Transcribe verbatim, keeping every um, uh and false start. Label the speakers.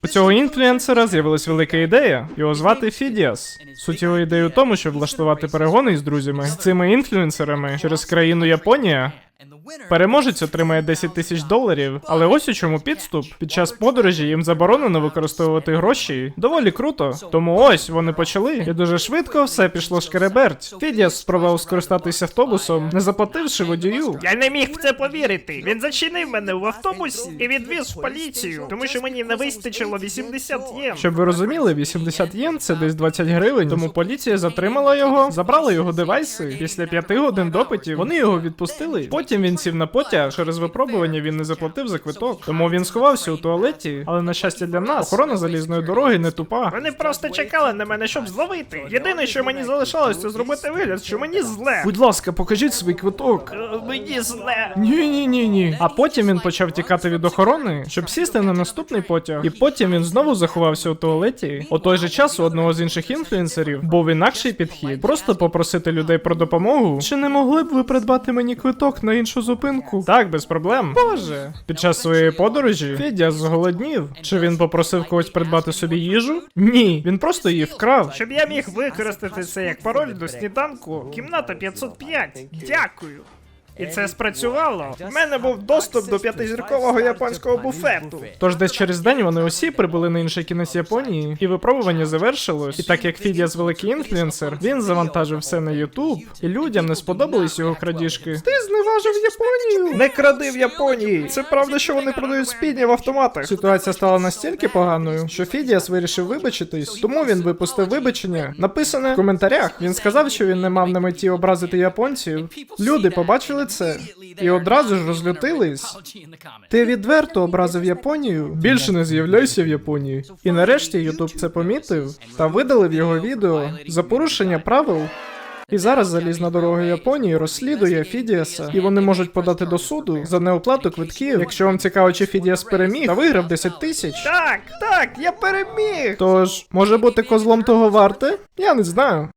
Speaker 1: У цього інфлюенсера з'явилась велика ідея. Його звати Фідіас. Суть його ідеї у тому, щоб влаштувати перегони із друзями з цими інфлюенсерами через країну Японія. Переможець отримає десять тисяч доларів, але ось у чому підступ. Під час подорожі їм заборонено використовувати гроші. Доволі круто. Тому ось вони почали. І дуже швидко все пішло шкереберть. Фідіас спробував скористатися автобусом, не заплативши водію.
Speaker 2: Я не міг в це повірити. Він зачинив мене в автобусі і відвіз в поліцію, тому що мені не вистачило вісімдесят єн.
Speaker 1: Щоб ви розуміли, вісімдесят єн це десь двадцять гривень, тому поліція затримала його, забрала його девайси. Після п'яти годин допитів вони його відпустили. Потім він сів на потяг, через випробування він не заплатив за квиток. Тому він сховався у туалеті, але на щастя для нас, охорона залізної дороги не тупа.
Speaker 2: Вони просто чекали на мене, щоб зловити. Єдине, що мені залишалось, це зробити вигляд, що мені зле.
Speaker 1: Будь ласка, покажіть свій квиток.
Speaker 2: Е, Мені зле.
Speaker 1: Ні-ні-ні-ні. А потім він почав тікати від охорони, щоб сісти на наступний потяг. І потім він знову заховався у туалеті. У той же час у одного з інших інфлюенсерів був інакший підхід. Просто попросити людей про допомогу. Чи не могли б ви придбати мені квиток на іншу зупинку? Так, без проблем. Боже. Під час своєї подорожі Федя зголоднів. Чи він попросив когось придбати собі їжу? Ні, він просто її вкрав.
Speaker 2: Щоб я міг використати це як пароль до сніданку, кімната п'ятсот п'ять. Дякую. І це спрацювало. У мене був доступ до п'ятизіркового японського буфету.
Speaker 1: Тож десь через день вони усі прибули на інший кінець Японії, і випробування завершилось. І так як Фідіас великий інфлюенсер, він завантажив все на Ютуб, і людям не сподобались його крадіжки. Ти зневажив Японію!
Speaker 2: Не кради в Японії! Це правда, що вони продають спідні в автоматах.
Speaker 1: Ситуація стала настільки поганою, що Фідіас вирішив вибачитись, тому він випустив вибачення, написане в коментарях. Він сказав, що він не мав на меті образити японців. Люди побачили це і одразу ж розлютились. Ти відверто образив Японію? Більше не з'являйся в Японії. І нарешті Ютуб це помітив та видалив його відео за порушення правил. І зараз залізна дорога Японії розслідує Фідіаса, і вони можуть подати до суду за неоплату квитків. Якщо вам цікаво, чи Фідіас переміг та виграв десять тисяч.
Speaker 2: Так, так, я переміг!
Speaker 1: Тож, може бути козлом того варте? Я не знаю.